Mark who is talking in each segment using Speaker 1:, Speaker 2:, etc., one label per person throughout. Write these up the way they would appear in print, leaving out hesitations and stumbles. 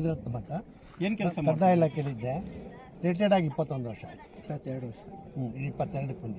Speaker 1: ರಾಜರತ್ನ ಮಠ.
Speaker 2: ಏನು ಕೆಲಸ
Speaker 1: ಕಂದಾಯ ಇಲಾಖೆಯಲ್ಲಿದ್ದೆ. ರಿಟೈರ್ಡ್ ಆಗಿ 21 ವರ್ಷ ಆಯಿತು.
Speaker 2: 22 ವರ್ಷ.
Speaker 1: 22ಕ್ಕೆ ಬಂದಿದ್ದೆ.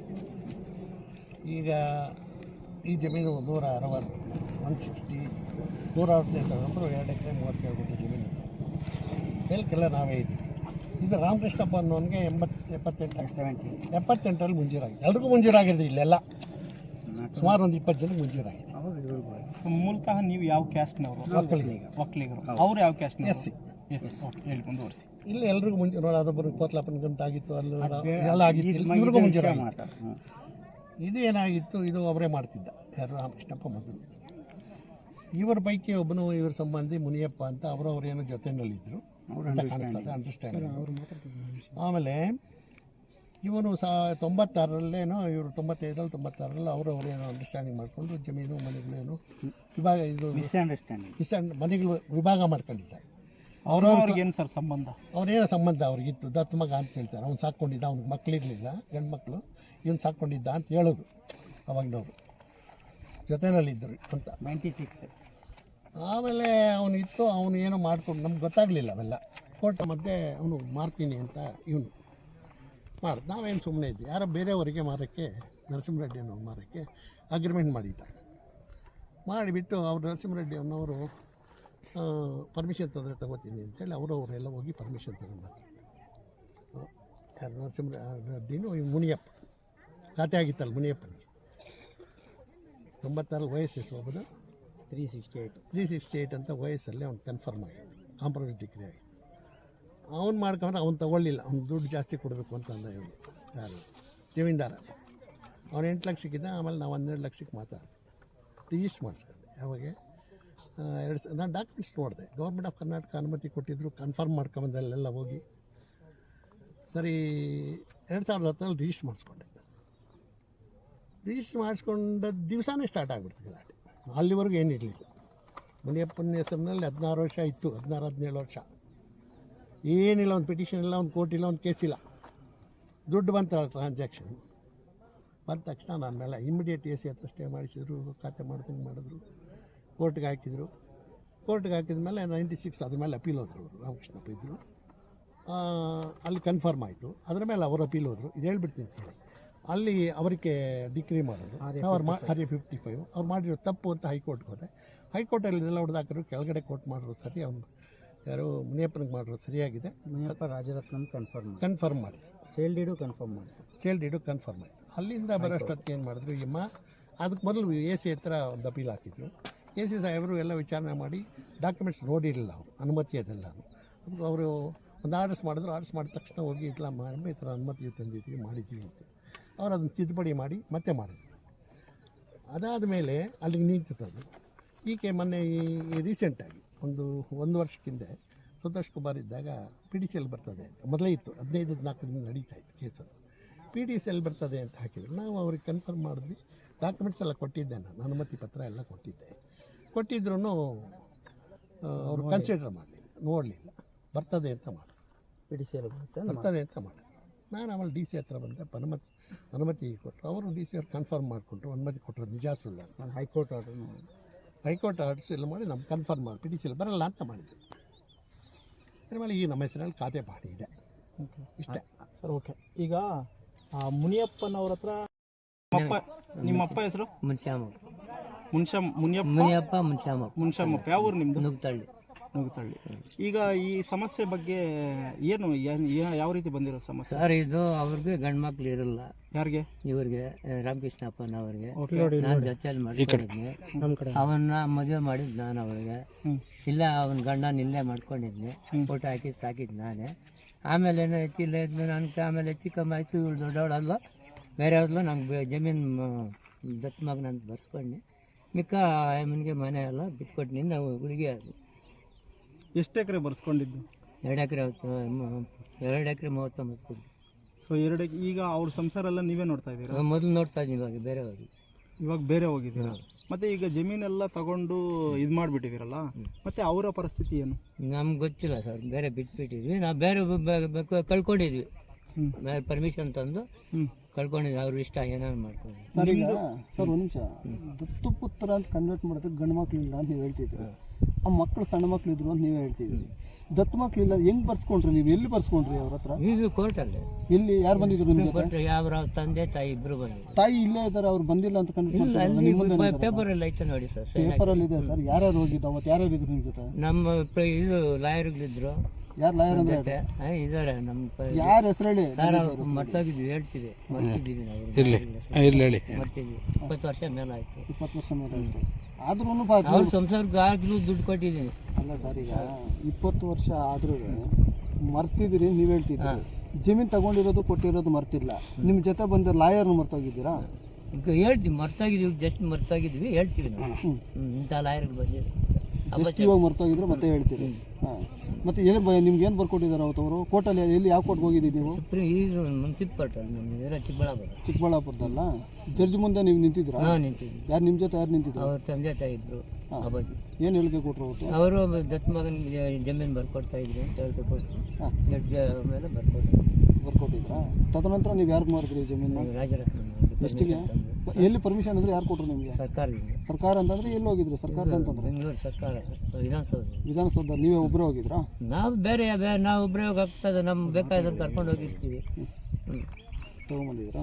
Speaker 1: ಈಗ ಈ ಜಮೀನು 160 160 168 ನಂಬರ್ 2 ಎಕರೆ 37 ಗುಂಟೆ ಜಮೀನು ಇದೆ. ಮೇಲ್ಕೆಲ್ಲ ನಾವೇ ಇದ್ದೀವಿ. ಇದು ರಾಮಕೃಷ್ಣಪ್ಪ ಅನ್ನೋನಿಗೆ 78ರಲ್ಲಿ ಮುಂಜೂರಾಗಿದೆ. ಎಲ್ರಿಗೂ ಮುಂಜೂರಾಗಿದೆ. ಇಲ್ಲೆಲ್ಲ ಸುಮಾರು ಒಂದು 20 ಜನಕ್ಕೆ ಮುಂಜೂರಾಗಿದೆ.
Speaker 2: ಮೂಲತಃ ನೀವು ಯಾವ ಕ್ಯಾಸ್ಟ್ನವರು? ಒಕ್ಕಲಿಗರು. ಅವ್ರು ಯಾವ ಕ್ಯಾಸ್ಟ್?
Speaker 1: SC.
Speaker 2: ಹೇಳಿ ಮುಂದುವರಿಸಿ.
Speaker 1: ಇಲ್ಲಿ ಎಲ್ರಿಗೂ ಮುಂಜೂರು. ಅದೊಬ್ಬರು ಕೋತ್ಲಾಪನಗಂತ ಆಗಿತ್ತು, ಅಲ್ಲಿ ಎಲ್ಲ ಆಗಿತ್ತು. ಇವ್ರಿಗೂ ಮುಂಜೂರಾಗಿತ್ತು. ಇದು ಏನಾಗಿತ್ತು, ಇದು ಅವರೇ ಮಾಡ್ತಿದ್ದ. ಯಾರು? ರಾಮಕೃಷ್ಣಪ್ಪ ಮೊದಲು. ಇವರ ಪೈಕಿ ಒಬ್ಬನು ಇವ್ರ ಸಂಬಂಧಿ ಮುನಿಯಪ್ಪ ಅಂತ ಅವರವರೇನೋ ಜೊತೆಯಲ್ಲಿದ್ದರು ಅಂತ ಕಾಣಿಸ್ತದೆ, ಅಂಡರ್ಸ್ಟ್ಯಾಂಡಿಂಗ್. ಆಮೇಲೆ ಇವನು 96ರಲ್ಲೇನೋ, ಇವರು 95ರಲ್ಲಿ 96ರಲ್ಲಿ ಅವರವರೇನೋ ಅಂಡರ್ಸ್ಟ್ಯಾಂಡಿಂಗ್ ಮಾಡಿಕೊಂಡು ಜಮೀನು ಮನೆಗಳೇನು ವಿಭಾಗ, ಇದು ಮನೆಗಳು ವಿಭಾಗ ಮಾಡ್ಕೊಂಡಿದ್ದಾರೆ.
Speaker 2: ಅವ್ರವ್ರಿಗೆ ಏನು ಸರ್ ಸಂಬಂಧ?
Speaker 1: ಅವನೇನೋ ಸಂಬಂಧ ಅವ್ರಿಗಿತ್ತು. ದತ್ತು ಮಗ ಅಂತ ಹೇಳ್ತಾರೆ. ಅವ್ನು ಸಾಕ್ಕೊಂಡಿದ್ದ, ಅವ್ನಿಗೆ ಮಕ್ಕಳಿರಲಿಲ್ಲ, ಗಂಡು ಮಕ್ಕಳು. ಇವನು ಸಾಕ್ಕೊಂಡಿದ್ದ ಅಂತ ಹೇಳೋದು ಅವಾಗಿನವರು, ಜೊತೆಯಲ್ಲಿದ್ದರು ಅಂತ.
Speaker 2: 96.
Speaker 1: ಆಮೇಲೆ ಅವನಿತ್ತು, ಅವನು ಏನೋ ಮಾಡ್ಕೊಂಡು ನಮ್ಗೆ ಗೊತ್ತಾಗಲಿಲ್ಲ ಅವೆಲ್ಲ. ಕೋರ್ಟ್ ಮಧ್ಯೆ ಅವನು ಮಾರ್ತೀನಿ ಅಂತ ಇವನು ಮಾಡಿ, ನಾವೇನು ಸುಮ್ಮನೆ ಇದ್ವಿ. ಯಾರೋ ಬೇರೆಯವರಿಗೆ ಮಾರೋಕ್ಕೆ, ನರಸಿಂಹರೆಡ್ಡಿ ಅನ್ನೋ ಮಾರೋಕ್ಕೆ ಅಗ್ರಿಮೆಂಟ್ ಮಾಡಿದ್ದ. ಮಾಡಿಬಿಟ್ಟು ಅವ್ರು ನರಸಿಂಹರೆಡ್ಡಿ ಅನ್ನೋರು ಪರ್ಮಿಷನ್ ತಗೋತೀನಿ ಅಂತೇಳಿ ಅವರವರೆಲ್ಲ ಹೋಗಿ ಪರ್ಮಿಷನ್ ತಗೊಂಡು ಯಾರು ನರಸಿಂಹರೆಡ್ಡಿನೂ ಮುನಿಯಪ್ಪ ಖಾತೆ ಆಗಿತ್ತಲ್ಲ ಮುನಿಯಪ್ಪನಿಗೆ. 96 ವಯಸ್ಸು ಎಷ್ಟು ಹೋಗೋದು? 368 ಅಂತ ವಯಸ್ಸಲ್ಲಿ ಅವ್ನು ಕನ್ಫರ್ಮ್ ಆಗಿತ್ತು, ಕಾಂಪ್ರಮೈಸ್ ಡಿಗ್ರಿ ಆಗಿತ್ತು. ಅವ್ನು ಮಾಡ್ಕೊಂಡ್ರೆ ಅವ್ನು ತೊಗೊಳ್ಳಿಲ್ಲ. ಅವ್ನು ದುಡ್ಡು ಜಾಸ್ತಿ ಕೊಡಬೇಕು ಅಂತ ಅಂದ ಇವನು, ಯಾರು ಜಮೀನ್ದಾರ. ಅವ್ನು 8 ಲಕ್ಷಕ್ಕಿದ್ದ. ಆಮೇಲೆ ನಾವು 12 ಲಕ್ಷಕ್ಕೆ ಮಾತಾಡ್ತೀವಿ. ರಿಜಿಸ್ಟ್ರ್ ಮಾಡಿಸ್ಕೊಂಡೆ. ಯಾವಾಗ ನಾನು ಡಾಕ್ಯುಮೆಂಟ್ಸ್ ನೋಡಿದೆ. ಗೌರ್ಮೆಂಟ್ ಆಫ್ ಕರ್ನಾಟಕ ಅನುಮತಿ ಕೊಟ್ಟಿದ್ದರು. ಕನ್ಫರ್ಮ್ ಮಾಡ್ಕೊಂಬಂದಲ್ಲೆಲ್ಲ ಹೋಗಿ ಸರಿ 2010ರಲ್ಲಿ ರಿಜಿಸ್ಟ್ರ್ ಮಾಡಿಸ್ಕೊಂಡೆ. ರಿಜಿಸ್ಟ್ರ್ ಮಾಡಿಸ್ಕೊಂಡ ದಿವಸನೇ ಸ್ಟಾರ್ಟ್ ಆಗಿಬಿಡ್ತು ಗಲಾಟೆ. ಅಲ್ಲಿವರೆಗೂ ಏನಿರಲಿಲ್ಲ. ಮುನಿಯಪ್ಪನ ಹೆಸರಿನಲ್ಲಿ 16 ವರ್ಷ ಇತ್ತು, 16-17 ವರ್ಷ ಏನಿಲ್ಲ. ಒಂದು ಪಿಟಿಷನ್ ಇಲ್ಲ, ಒಂದು ಕೋರ್ಟ್ ಇಲ್ಲ, ಒಂದು ಕೇಸ್ ಇಲ್ಲ. ದುಡ್ಡು ಬಂತಲ್ಲ ಟ್ರಾನ್ಸಾಕ್ಷನ್ ಬಂದ ತಕ್ಷಣ ನನ್ನ ಮೇಲೆ ಇಮಿಡಿಯೇಟ್ AC ಹತ್ರ ಸ್ಟೇ ಮಾಡಿಸಿದ್ರು. ಖಾತೆ ಮಾಡ್ದಂಗೆ ಮಾಡಿದ್ರು. ಕೋರ್ಟ್ಗೆ ಹಾಕಿದರು. ಕೋರ್ಟ್ಗೆ ಹಾಕಿದ ಮೇಲೆ 96 ಅದ್ರ ಮೇಲೆ ಅಪೀಲ್ ಹೋದರು. ಅವರು ರಾಮಕೃಷ್ಣಪ್ಪ ಇದ್ದರು ಅಲ್ಲಿ. ಕನ್ಫರ್ಮ್ ಆಯಿತು. ಅದ್ರ ಮೇಲೆ ಅವರು ಅಪೀಲ್ ಹೋದರು. ಇದು ಹೇಳ್ಬಿಡ್ತೀನಿ. ಅಲ್ಲಿ ಅವರಿಗೆ ಡಿಗ್ರಿ ಮಾಡೋದು ಅವ್ರು RA55 ಅವ್ರು ಮಾಡಿರೋ ತಪ್ಪು ಅಂತ ಹೈಕೋರ್ಟ್ಗೆ ಹೋದೆ. ಹೈಕೋರ್ಟಲ್ಲಿ ಇದೆಲ್ಲ ಹೊಡೆದಾಕರು. ಕೆಳಗಡೆ ಕೋರ್ಟ್ ಮಾಡಿದ್ರು ಸರಿ, ಅವ್ನು ಯಾರು ಮುನಿಯಪ್ಪನಿಗೆ ಮಾಡಿದ್ರು ಸರಿಯಾಗಿದೆ.
Speaker 2: ಮುನಿಯಪ್ಪ ರಾಜರತ್ನ
Speaker 1: ಕನ್ಫರ್ಮ್ ಮಾಡಿದ್ರು.
Speaker 2: ಸೇಲ್ ಡೀಡು ಕನ್ಫರ್ಮ್
Speaker 1: ಆಯಿತು. ಅಲ್ಲಿಂದ ಬರೋಷ್ಟೊತ್ತಿಗೆ ಏನು ಮಾಡಿದ್ರು, ಅದಕ್ಕೆ ಮೊದಲು AC ಹತ್ರ ಒಂದು ಅಪೀಲ್ ಹಾಕಿದ್ರು. AC ಸಾಹೇಬರು ಎಲ್ಲ ವಿಚಾರಣೆ ಮಾಡಿ ಡಾಕ್ಯುಮೆಂಟ್ಸ್ ನೋಡಿರಲಿಲ್ಲ ಅವರು, ಅನುಮತಿ ಅದೆಲ್ಲ. ಅದಕ್ಕೆ ಅವರು ಒಂದು ಆರ್ಡರ್ಸ್ ಮಾಡಿದ್ರು. ಆರ್ಡರ್ಸ್ ಮಾಡಿದ ತಕ್ಷಣ ಹೋಗಿ ಇಲ್ಲ ಮಾಡಿ ಈ ಥರ ಅನುಮತಿ ತಂದಿದ್ವಿ ಮಾಡಿದ್ವಿ ಅಂತ ಅವ್ರು ಅದನ್ನು ತಿದ್ದುಪಡಿ ಮಾಡಿ ಮತ್ತೆ ಮಾಡಿದ್ರು. ಅದಾದ ಮೇಲೆ ಅಲ್ಲಿಗೆ ನಿಂತಿತ್ತು. ಈಕೆ ಮೊನ್ನೆ ಈ ರೀಸೆಂಟಾಗಿ ಒಂದು ವರ್ಷಕ್ಕಿಂತ ಸಂತೋಷ್ ಕುಮಾರ್ ಇದ್ದಾಗ PDCL ಬರ್ತದೆ ಅಂತ ಮೊದಲೇ ಇತ್ತು. 15-4 ನಡೀತಾ ಇತ್ತು ಕೇಸು. PDCL ಬರ್ತದೆ ಅಂತ ಹಾಕಿದ್ರು. ನಾವು ಅವ್ರಿಗೆ ಕನ್ಫರ್ಮ್ ಮಾಡಿದ್ವಿ. ಡಾಕ್ಯುಮೆಂಟ್ಸ್ ಎಲ್ಲ ಕೊಟ್ಟಿದ್ದೆ, ನಾನು ಅನುಮತಿ ಪತ್ರ ಎಲ್ಲ ಕೊಟ್ಟಿದ್ರೂ ಅವರು ಕನ್ಸಿಡರ್ ಮಾಡಲಿಲ್ಲ, ನೋಡಲಿಲ್ಲ. ಬರ್ತದೆ ಅಂತ ಮಾಡಿದ್ರು.
Speaker 2: PDCL
Speaker 1: ಬರ್ತದೆ ಅಂತ ಮಾಡಿದ್ರು. ನಾನು ಆಮೇಲೆ DC ಹತ್ರ ಬಂದೆ. ಅನುಮತಿ ಕೊಟ್ಟರು. ಅವರು DC ಅವ್ರು ಕನ್ಫರ್ಮ್ ಮಾಡಿಕೊಂಡ್ರು, ಅನುಮತಿ ಕೊಟ್ಟರು. ನಿಜ ಸುಳ್ಳ
Speaker 2: ನಾನು ಹೈಕೋರ್ಟ್
Speaker 1: ಆರ್ಡರ್ಸ್ ಎಲ್ಲ ಮಾಡಿ ನಮ್ಗೆ ಕನ್ಫರ್ಮ್ ಮಾಡಿ PDCL ಬರಲ್ಲ ಅಂತ ಮಾಡಿದ್ರು. ಅದ್ರ ಮೇಲೆ ಈ ನಮ್ಮ ಹೆಸರಲ್ಲಿ ಖಾತೆ ಮಾಡಿ ಇದೆ. ಇಷ್ಟೇ
Speaker 2: ಸರ್. ಓಕೆ. ಈಗ ಮುನಿಯಪ್ಪನವ್ರ ಹತ್ರ ನಿಮ್ಮಪ್ಪ ಹೆಸರು? ಮುನ್ಶ್ಯಾಮಪ್ಪ. ಯಾವ ಊರು ನಿಮ್ಮದು? ನುಗ್ತಳ್ಳಿ. ಈಗ ಈ ಸಮಸ್ಯೆ ಬಗ್ಗೆ ಏನು ಯಾವ ರೀತಿ ಬಂದಿರೋ ಸಮಸ್ಯೆ
Speaker 3: ಸರ್? ಇದು ಅವ್ರಿಗೆ ಗಂಡು ಮಕ್ಳು ಇರಲ್ಲ.
Speaker 2: ಯಾರಿಗೆ?
Speaker 3: ಇವ್ರಿಗೆ ರಾಮಕೃಷ್ಣಪ್ಪನವ್ರಿಗೆ. ನಾನು ಜೊತೆಯಲ್ಲಿ ಮಾಡ್ಕೊಂಡಿದ್ನಿ. ಅವನ್ನ ಮದುವೆ ಮಾಡಿದ್ ನಾನು ಅವ್ರಿಗೆ. ಇಲ್ಲ ಅವನ ಗಂಡನ ಇಲ್ಲೇ ಮಾಡ್ಕೊಂಡಿದ್ನಿ. ಫೋಟೋ ಹಾಕಿ ಸಾಕಿದ್ ನಾನೇ. ಆಮೇಲೆ ಏನೋ ಹೆಚ್ಚಿಲ್ಲ ಇದ್ನ ನನಗೆ. ಆಮೇಲೆ ಹೆಚ್ಚು ಕಮ್ಮಿ ಆಯ್ತು. ಇವಳು ದೊಡ್ಡವಳಲ್ಲ, ಬೇರೆ ಅವ್ರಲ್ಲ. ನಂಗೆ ಜಮೀನು ದತ್ತು ಮಗ ನಂಗೆ ಬರ್ಸ್ಕೊಂಡೆ. ಮಿಕ್ಕ ಅಮ್ಮನಿಗೆ ಮನೆ ಎಲ್ಲ ಬಿತ್ಕೊಟ್ಟು ನಾವು ಹುಡುಗಿ. ಅದು
Speaker 2: ಎಷ್ಟು ಎಕರೆ ಬರ್ಸ್ಕೊಂಡಿದ್ದು?
Speaker 3: 2 ಎಕರೆ 2 ಎಕರೆ 39 ಕೊಡಿ.
Speaker 2: ಸೊ 2 ಈಗ ಅವ್ರ ಸಂಸಾರ ಎಲ್ಲ ನೀವೇ ನೋಡ್ತಾ ಇದ್ದೀರಾ?
Speaker 3: ಮೊದಲು ನೋಡ್ತಾ ಇದ್ದೀನಿ, ಇವಾಗ ಬೇರೆ
Speaker 2: ಹೋಗಿದ್ದೀರಾ. ಮತ್ತೆ ಈಗ ಜಮೀನೆಲ್ಲ ತಗೊಂಡು ಇದು ಮಾಡಿಬಿಟ್ಟಿದ್ದೀರಲ್ಲ, ಮತ್ತೆ ಅವರ ಪರಿಸ್ಥಿತಿ ಏನು?
Speaker 3: ನಮ್ಗೆ ಗೊತ್ತಿಲ್ಲ ಸರ್. ಬೇರೆ ಬಿಟ್ಬಿಟ್ಟಿದ್ವಿ ನಾವು. ಬೇರೆ ಕಳ್ಕೊಂಡಿದ್ವಿ. ಪರ್ಮಿಷನ್ ತಂದು ಕಳ್ಕೊಂಡಿದ್ವಿ. ಅವ್ರ ಇಷ್ಟ ಏನಾದ್ರು ಮಾಡ್ಕೊಂಡು.
Speaker 4: ಸರ್, ಒಂದು ನಿಮಿಷ. ದತ್ತು ಪುತ್ರ ಅಂತ ಕನ್ವರ್ಟ್ ಮಾಡೋದಕ್ಕೆ ಗಂಡು ಮಕ್ಳು ಇಲ್ಲ ಅಂತ ನೀವು ಹೇಳ್ತಿದ್ರು. ಆ ಮಕ್ಕಳು ಸಣ್ಣ ಮಕ್ಳು ಇದ್ರು ಅಂತ ನೀವೇ ಹೇಳ್ತಿದ್ರಿ. ದತ್ತು ಮಕ್ಳಿಲ್ಲ, ಹೆಂಗ್ ಬರ್ಸ್ಕೊಂಡ್ರಿ ನೀವು? ಎಲ್ಲಿ ಬರ್ಸ್ಕೊಂಡ್ರಿ ಅವ್ರ ಹತ್ರ?
Speaker 3: ಇದು ಕೋರ್ಟಲ್ಲಿ.
Speaker 4: ಎಲ್ಲಿ ಯಾರು ಬಂದಿದ್ರು ನಿಮ್ಮ ಜೊತೆ?
Speaker 3: ಕೋರ್ಟ್ ಯಾವ ತಂದೆ ತಾಯಿ ಇಬ್ರು ಬಂದಿದ್ರು.
Speaker 4: ತಾಯಿ ಇಲ್ಲೇ ಇದ್ದಾರೆ, ಅವ್ರು ಬಂದಿಲ್ಲ ಅಂತ
Speaker 3: ಪೇಪರ್ ಅಲ್ಲಿ ಐತೆ ನೋಡಿ ಸರ್.
Speaker 4: ಪೇಪರ್ ಅಲ್ಲಿ ಇದೆ ಸರ್. ಯಾರ್ಯಾರು ಹೋಗಿದ್ದು ಅವತ್ತು? ಯಾರ್ಯಾರು ಇದ್ರು ನಿಮ್ಮ ಜೊತೆ?
Speaker 3: ನಮ್ಮ ಇದು ಲಾಯರ್ಗಳಿದ್ರು.
Speaker 4: ಯಾರು ಲಾಯರ್ ಅಂದ್ರೆ?
Speaker 3: ಇದಾರೆ ನಮ್ಮ.
Speaker 4: ಯಾರ ಹೆಸರು ಹೇಳಿ
Speaker 3: ಸರ್ ಅವ್ರು ಮರ್ತೋಗಿದ್ವಿ, ಹೇಳ್ತೀವಿ, ಮರ್ತಿದ್ದೀವಿ ನಾವು.
Speaker 1: ಹೇಳಿ
Speaker 3: ಮರ್ತಿದ್ವಿ. 20 ವರ್ಷ ಮೇಲೆ ಆಯ್ತು.
Speaker 4: 20 ವರ್ಷ ಮೇಲೆ ಆಯ್ತು. ಆದ್ರೂ
Speaker 3: ಅವ್ರ ಸಂಸಾರಕ್ಕೆ ಆಗ್ಲೂ ದುಡ್ಡು ಕೊಟ್ಟಿದ್ದೀನಿ.
Speaker 4: ಅಲ್ಲ ಸರ್, ಈಗ 20 ವರ್ಷ ಆದ್ರೂ ಮರ್ತಿದ್ದೀರಿ ನೀವು ಹೇಳ್ತಿದ್ರಿ. ಜಮೀನ್ ತಗೊಂಡಿರೋದು ಕೊಟ್ಟಿರೋದು ಮರ್ತಿಲ್ಲ. ನಿಮ್ ಜೊತೆ ಬಂದ ಲಾಯರ್ನು ಮರ್ತೋಗಿದ್ದೀರಾ?
Speaker 3: ಈಗ ಹೇಳ್ತೀವಿ, ಮರ್ತಾಗಿದ್ವಿ, ಜಸ್ಟ್ ಮರ್ತಾಗಿದ್ವಿ, ಹೇಳ್ತೀವಿ ನಾವು. ಇಂಥ ಲಾಯರ್ಗಳು ಬಂದಿದ್ರು.
Speaker 4: ಇವಾಗ ಮರ್ತೋಗಿದ್ರೆ ಮತ್ತೆ ಹೇಳ್ತೀರಿ. ಮತ್ತೆ ಏನು ನಿಮ್ಗೆ ಏನು ಬರ್ಕೊಟ್ಟಿದ್ದಾರೆ ಅವತ್ತು ಅವರು? ಕೋರ್ಟಲ್ಲಿ ಎಲ್ಲಿ ಯಾವ ಕೋರ್ಟ್ಗೆ ಹೋಗಿದ್ದೀವಿ ನೀವು?
Speaker 3: ಸುಪ್ರೀಂ ಇದು ಮುನ್ಸಿಪಲ್ ನಮ್ಮ ಚಿಕ್ಕಬಳ್ಳಾಪುರ.
Speaker 4: ಚಿಕ್ಕಬಳ್ಳಾಪುರದಲ್ಲ? ಜಡ್ಜ್ ಮುಂದೆ ನೀವು ನಿಂತಿದ್ರಾ?
Speaker 3: ಹಾಂ, ನಿಂತಿದ್ವಿ.
Speaker 4: ಯಾರು ನಿಮ್ಮ ಜೊತೆ ಯಾರು ನಿಂತಿದ್ರು?
Speaker 3: ಅವ್ರ ತಂದೆ ತಾಯಿ ಇದ್ರು. ಅಪ್ಪಾಜಿ
Speaker 4: ಏನು ಹೇಳಿಕೆ ಕೊಟ್ಟರು ಅವತ್ತು?
Speaker 3: ಅವರು ದತ್ತು ಮಗನಿಗೆ ಜಮೀನು ಬರ್ಕೊಡ್ತಾ ಇದ್ರು ಅಂತ ಹೇಳಿಕೆ ಕೊಟ್ಟರು. ಜಡ್ಜ್ ಮೇಲೆ
Speaker 4: ಬರ್ಕೊಟ್ಟಿದ್ರಾ? ತದನಂತರ ನೀವು ಯಾರಿಗೆ ಮಾರಿದ್ರಿ ಜಮೀನು?
Speaker 3: ರಾಜರತ್ನ.
Speaker 4: ಎಷ್ಟಿಗೆ? ಎಲ್ಲಿ ಪರ್ಮಿಷನ್ ಅಂದ್ರೆ ಯಾರು ಕೊಟ್ಟರು ನಿಮಗೆ?
Speaker 3: ಸರ್ಕಾರದಿಂದ.
Speaker 4: ಸರ್ಕಾರ ಅಂತಂದ್ರೆ ಎಲ್ಲಿ ಹೋಗಿದ್ರಿ? ಸರ್ಕಾರ ಅಂತಂದ್ರೆ
Speaker 3: ಬೆಂಗಳೂರು ಸರ್ಕಾರ ವಿಧಾನಸೌಧ.
Speaker 4: ವಿಧಾನಸೌಧ ನೀವೇ ಒಬ್ಬರೇ ಹೋಗಿದ್ರಾ?
Speaker 3: ನಾವು ಬೇರೆ ನಾವು ಒಬ್ಬರೇ ಹೋಗ್ತದೆ, ನಮ್ಗೆ ಬೇಕಾದಂತ ಕರ್ಕೊಂಡು ಹೋಗಿರ್ತೀವಿ.
Speaker 4: ತಗೊಂಬಂದಿದ್ರಾ?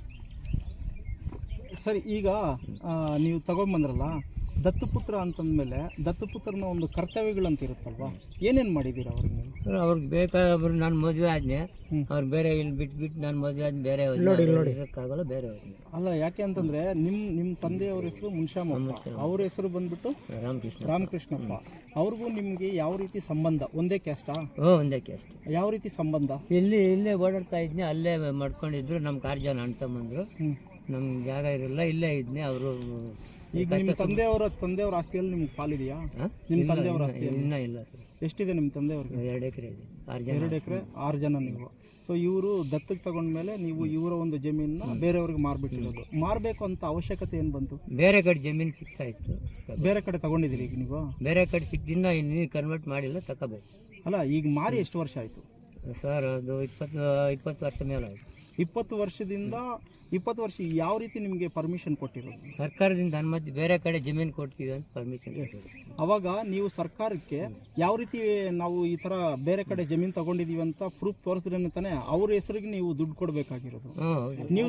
Speaker 2: ಸರಿ, ಈಗ ನೀವು ತಗೊಂಡ್ಬಂದ್ರಲ್ಲ ದತ್ತುಪುತ್ರ ಅಂತಂದ್ಮೇಲೆ ದತ್ತುಪುತ್ರನ ಒಂದು ಕರ್ತವ್ಯಗಳಂತ ಇರುತ್ತಲ್ವಾ, ಏನೇನು ಮಾಡಿದ್ದೀರಾ ಅವ್ರಿಗೆ ನೀವು?
Speaker 3: ಅವ್ರಿಗೆ ಬೇಕಾದ್ರು ನಾನು ಮದುವೆ ಆದ್ನೆ, ಅವ್ರು ಬೇರೆ ಇಲ್ಲಿ ಬಿಟ್ಬಿಟ್ಟು ನಾನು ಮದುವೆ ಆದ್ ಬೇರೆ ಇರೋಕ್ಕಾಗಲ್ಲ, ಬೇರೆ ಹೋದ್ನೆ.
Speaker 2: ಅಲ್ಲ, ಯಾಕೆ ಅಂತಂದ್ರೆ ನಿಮ್ಮ ತಂದೆಯವ್ರ ಹೆಸರು ಮುನ್ಶಾಮಪ್ಪ, ಅವ್ರ ಹೆಸರು ಬಂದ್ಬಿಟ್ಟು ರಾಮಕೃಷ್ಣಪ್ಪ. ಅವ್ರಿಗೂ ನಿಮ್ಗೆ ಯಾವ ರೀತಿ ಸಂಬಂಧ? ಒಂದೇ ಕ್ಯಾಸ್ಟಾ?
Speaker 3: ಒಂದೇ ಕ್ಯಾಸ್ಟ್.
Speaker 2: ಯಾವ ರೀತಿ ಸಂಬಂಧ?
Speaker 3: ಇಲ್ಲೇ ಓಡಾಡ್ತಾ ಇದ್ನಿ, ಅಲ್ಲೇ ಮಾಡ್ಕೊಂಡಿದ್ರು. ನಮ್ 4 ಜನ ಅಣ್ಣ ತಮ್ಮಂದ್ರು. ನಮ್ಗೆ ಜಾಗ ಇರಲ್ಲ, ಇಲ್ಲೇ ಇದ್ನಿ. ಅವರು
Speaker 2: ಈಗ ನಿಮ್ಮ ತಂದೆಯವ್ರ ಆಸ್ತಿಯಲ್ಲಿ ನಿಮ್ಗೆ ಪಾಲಿದೆಯಾ? ನಿಮ್ಮ ತಂದೆಯವ್ರ ಆಸ್ತಿ
Speaker 3: ಇನ್ನೂ ಇಲ್ಲ ಸರ್.
Speaker 2: ಎಷ್ಟಿದೆ ನಿಮ್ಮ ತಂದೆಯವ್ರಿಗೆ?
Speaker 3: 2 ಎಕರೆ ಇದೆ.
Speaker 2: 2 ಎಕರೆ, 6 ಜನ ನೀವು. ಸೊ ಇವರು ದತ್ತಕ್ಕೆ ತಗೊಂಡ್ಮೇಲೆ ನೀವು ಇವರ ಒಂದು ಜಮೀನನ್ನ ಬೇರೆಯವ್ರಿಗೆ ಮಾರ್ಬಿಟ್ಟಿರೋದು. ಮಾರಬೇಕು ಅಂತ ಅವಶ್ಯಕತೆ ಏನು ಬಂತು?
Speaker 3: ಬೇರೆ ಕಡೆ ಜಮೀನು ಸಿಗ್ತಾ ಇತ್ತು.
Speaker 2: ಬೇರೆ ಕಡೆ ತಗೊಂಡಿದ್ದೀರಿ ಈಗ ನೀವು?
Speaker 3: ಬೇರೆ ಕಡೆ ಸಿಕ್ಕಿದ್ದ ಇನ್ನೂ ಕನ್ವರ್ಟ್ ಮಾಡಿಲ್ಲ, ತಗೋಬೇಕು.
Speaker 2: ಅಲ್ಲ, ಈಗ ಮಾರಿ ಎಷ್ಟು ವರ್ಷ ಆಯಿತು
Speaker 3: ಸರ್? ಅದು 20 ವರ್ಷ ಮೇಲೆ ಆಯಿತು.
Speaker 2: 20 ವರ್ಷದಿಂದ 20 ವರ್ಷ ಯಾವ ರೀತಿ ನಿಮಗೆ ಪರ್ಮಿಷನ್ ಕೊಟ್ಟಿರೋದು?
Speaker 3: ಸರ್ಕಾರದಿಂದ ಅನುಮತಿ, ಬೇರೆ ಕಡೆ ಜಮೀನು ಕೊಡ್ತೀವಿ ಅಂತ ಪರ್ಮಿಷನ್.
Speaker 2: ಅವಾಗ ನೀವು ಸರ್ಕಾರಕ್ಕೆ ಯಾವ ರೀತಿ ನಾವು ಈ ತರ ಬೇರೆ ಕಡೆ ಜಮೀನು ತಗೊಂಡಿದೀವಿ ಅಂತ ಪ್ರೂಫ್ ತೋರಿಸಿದ್ರೆ ತಾನೇ ಅವ್ರ ಹೆಸರಿಗೆ ನೀವು ದುಡ್ಡು ಕೊಡಬೇಕಾಗಿರೋದು. ನೀವು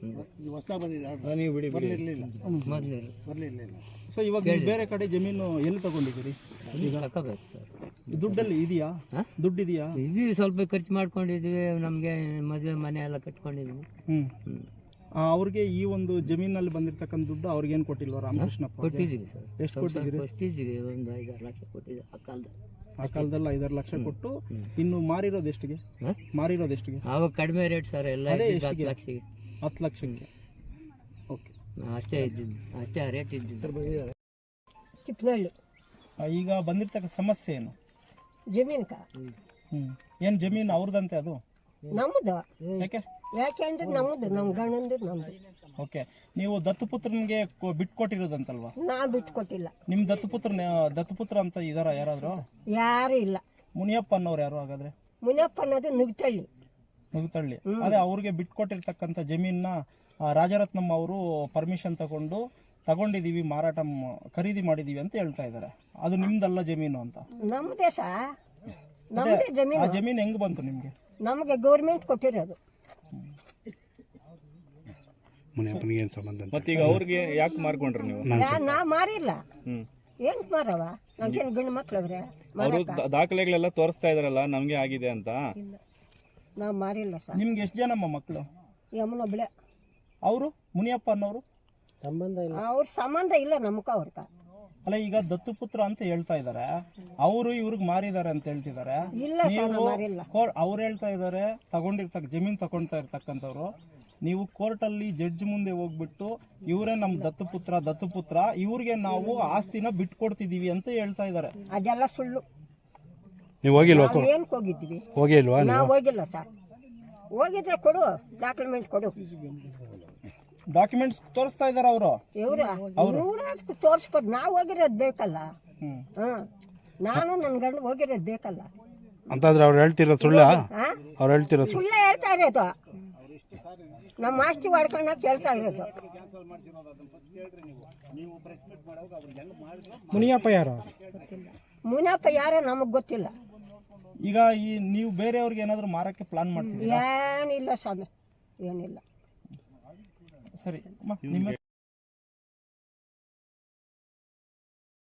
Speaker 2: ಸೊ ಇವಾಗ ನೀವು ಬೇರೆ ಕಡೆ ಜಮೀನು ಎಲ್ಲಿ ತಗೊಂಡಿದ್ದೀರಿ?
Speaker 3: ತಗೋಬೇಕು ಸರ್.
Speaker 2: ದುಡ್ಡಲ್ಲಿ ಇದೆಯಾ? ದುಡ್ಡಿದೆಯಾ?
Speaker 3: ಇದು ಸ್ವಲ್ಪ ಖರ್ಚು ಮಾಡ್ಕೊಂಡಿದ್ವಿ, ನಮಗೆ ಮದುವೆ ಮನೆ ಎಲ್ಲ ಕಟ್ಕೊಂಡಿದ್ವಿ.
Speaker 2: ಅವ್ರಿಗೆ ಈ ಒಂದು ಜಮೀನಲ್ಲಿ ಬಂದಿರ್ತಕ್ಕಂಥ ದುಡ್ಡು ಅವ್ರಿಗೇನು ಕೊಟ್ಟಿಲ್ವ ರಾಮಕೃಷ್ಣಪ್ಪ?
Speaker 3: ಕೊಟ್ಟಿದ್ದೀವಿ ಸರ್.
Speaker 2: ಎಷ್ಟು ಕೊಟ್ಟಿದ್ದೀರಿ?
Speaker 3: ಕೊಟ್ಟಿದ್ದೀವಿ, ಒಂದು 5-6 ಲಕ್ಷ ಕೊಟ್ಟಿದ್ದೀವಿ ಆ
Speaker 2: ಕಾಲದಲ್ಲಿ 5-6 ಲಕ್ಷ ಕೊಟ್ಟು. ಇನ್ನು ಮಾರಿರೋದು ಎಷ್ಟಿಗೆ?
Speaker 3: ಆವಾಗ ಕಡಿಮೆ ರೇಟ್ ಸರ್, ಎಲ್ಲ 10 ಲಕ್ಷಕ್ಕೆ.
Speaker 2: 10 ಲಕ್ಷಕ್ಕೆ. ಓಕೆ,
Speaker 3: ಅಷ್ಟೇ ಇದ್ದಿದ್ದು, ಅಷ್ಟೇ ರೇಟ್ ಇದ್ದಿದ್ದು.
Speaker 5: ತಿಪ್ಪನಹಳ್ಳಿ.
Speaker 2: ಈಗ ಬಂದಿರ್ತಕ್ಕ ಸಮಸ್ಯೆ ಏನು?
Speaker 5: ಜಮೀನ್ಕ.
Speaker 2: ಏನು ಜಮೀನು ಅವ್ರದಂತೆ? ಅದು
Speaker 5: ನಮ್ಮದು.
Speaker 2: ಯಾಕೆ
Speaker 5: ಅಂದ್ರೆ ನಮ್ಮದು, ನಮ್ಮ ಗಂಡಂದು ನಮ್ಮದು.
Speaker 2: ಓಕೆ, ನೀವು ದತ್ತುಪುತ್ರನಿಗೆ ಬಿಟ್ಕೊಟ್ಟಿರೋದಂತಲ್ವಾ?
Speaker 5: ನಾ ಬಿಟ್ಕೊಟ್ಟಿಲ್ಲ.
Speaker 2: ನಿಮ್ ದತ್ತುಪುತ್ರ ಅಂತ ಇದಾರ ಯಾರಾದ್ರು?
Speaker 5: ಯಾರು ಇಲ್ಲ.
Speaker 2: ಮುನಿಯಪ್ಪ ಅನ್ನೋರು ಯಾರು ಹಾಗಾದ್ರೆ?
Speaker 5: ಮುನಿಯಪ್ಪ ಅನ್ನೋದು ನುಗ್ತಳ್ಳಿ.
Speaker 2: ಅದೇ ಅವ್ರಿಗೆ ಬಿಟ್ಕೊಟ್ಟಿರ್ತಕ್ಕಂಥ ಜಮೀನ ರಾಜರತ್ನಮ್ಮ ಅವರು ಪರ್ಮಿಷನ್ ತಗೊಂಡಿದೀವಿ, ಖರೀದಿ ಮಾಡಿದೀವಿ ಅಂತ ಹೇಳ್ತಾ ಇದಾರೆ. ಅದು ನಿಮ್ದಲ್ಲ ಜಮೀನು ಅಂತ?
Speaker 5: ನಮ್ದೇ ಸಾ, ನಮ್ದೇ ಜಮೀನು.
Speaker 2: ಆ ಜಮೀನು ಹೆಂಗ್ ಬಂತು ನಿಮ್ಗೆ?
Speaker 5: ನಮಗೆ ಗೌರ್ಮೆಂಟ್ ಕೊಟ್ಟಿರೋದು.
Speaker 6: ಮತ್ತೀಗ ಅವ್ರಿಗೆ ಯಾಕೆ ಮಾರ್ಕೊಂಡ್ರಿ ನೀವು?
Speaker 5: ನಾ ಮಾರಿಲ್ಲ. ಏನ್ ಮಾರವ? ನಮ್ಗೇನು ಗಂಡು ಮಕ್ಳವ್ರೆ?
Speaker 6: ಅವರು ದಾಖಲೆಗಳೆಲ್ಲ ತೋರಿಸ್ತಾ ಇದಾರಲ್ಲ ನಮ್ಗೆ ಆಗಿದೆ ಅಂತ.
Speaker 5: ನಾ ಮಾರಿಲ್ಲ ಸರ್.
Speaker 2: ನಿಮ್ಗೆ ಎಷ್ಟು ಜನಮ್ಮ ಮಕ್ಕಳು?
Speaker 5: ಯಮನೊಬ್ಳೆ.
Speaker 2: ಅವರು ಮುನಿಯಪ್ಪ ಅನ್ನೋರು
Speaker 5: ಅವ್ರ ಸಂಬಂಧ ಇಲ್ಲ ನಮ್ಕ ಅವ್ರಕ.
Speaker 2: ಅಲ್ಲ, ಈಗ ದತ್ತುಪುತ್ರ ಅಂತ ಹೇಳ್ತಾ ಇದಾರೆ, ಅವರು ಇವ್ರಿಗೆ ಮಾರಿದಾರೆ ಅಂತ ಹೇಳ್ತಿದ್ದಾರೆ. ಅವ್ರು ಹೇಳ್ತಾ ಇದಾರೆ ಜಮೀನ್ ತಗೊಂತಾ ಇರ್ತಕ್ಕಂಥವ್ರು. ನೀವು ಕೋರ್ಟಲ್ಲಿ ಜಡ್ಜ್ ಮುಂದೆ ಹೋಗ್ಬಿಟ್ಟು ಇವರೇ ನಮ್ ದತ್ತುಪುತ್ರ ಇವ್ರಿಗೆ ನಾವು ಆಸ್ತಿನ ಬಿಟ್ಕೊಡ್ತಿದೀವಿ ಅಂತ ಹೇಳ್ತಾ ಇದಾರೆ.
Speaker 5: ಅದೆಲ್ಲ ಸುಳ್ಳು.
Speaker 1: ನೀವು ಹೋಗಿಲ್ವಾ?
Speaker 5: ಏನ್ ಹೋಗಿದ್ವಿ?
Speaker 1: ಹೋಗಿಲ್ವಾ?
Speaker 5: ನಾವು ಹೋಗಿಲ್ಲ ಸರ್. ಹೋಗಿದ್ರೆ ಕೊಡು, ಡಾಕ್ಯುಮೆಂಟ್ ಕೊಡು.
Speaker 2: ಡಾಕ್ಯುಮೆಂಟ್ಸ್ ತೋರಿಸ್ತಾ ಇದಾರೆ ಅವರು.
Speaker 5: ತೋರಿಸ್ಬೋದು. ನಾವು ಹೋಗಿರೋದು ಬೇಕಲ್ಲ. ನಾನು ನನ್ನ ಗಂಡ ಹೋಗಿರೋದು ಬೇಕಲ್ಲ
Speaker 1: ಅಂತಂದ್ರೆ ಅವ್ರು ಹೇಳ್ತಿರೋ ಸುಳ್ಳ? ಅವ್ರು ಹೇಳ್ತಿರೋ
Speaker 5: ಸುಳ್ಳ ಹೇಳ್ತಾ ಇರೋದು. ನಮ್ಮ ಆಸ್ತಿ ಮಾಡ್ಕೊಂಡು ಕೇಳ್ತಾ ಇರೋದು.
Speaker 2: ಮುನಿಯಪ್ಪ ಯಾರು?
Speaker 5: ಮುನಿಯಪ್ಪ ಯಾರೋ ನಮಗೆ ಗೊತ್ತಿಲ್ಲ.
Speaker 2: ಈಗ ಈ ನೀವು ಬೇರೆಯವ್ರಿಗೆ ಏನಾದ್ರು ಮಾರಕ್ಕೆ ಪ್ಲಾನ್ ಮಾಡ್ತೀವಿ?
Speaker 5: ಏನಿಲ್ಲ ಸ್ವಾಮಿ, ಏನಿಲ್ಲ.
Speaker 2: ಸರಿ ಅಮ್ಮ, ನಿಮ್ಮ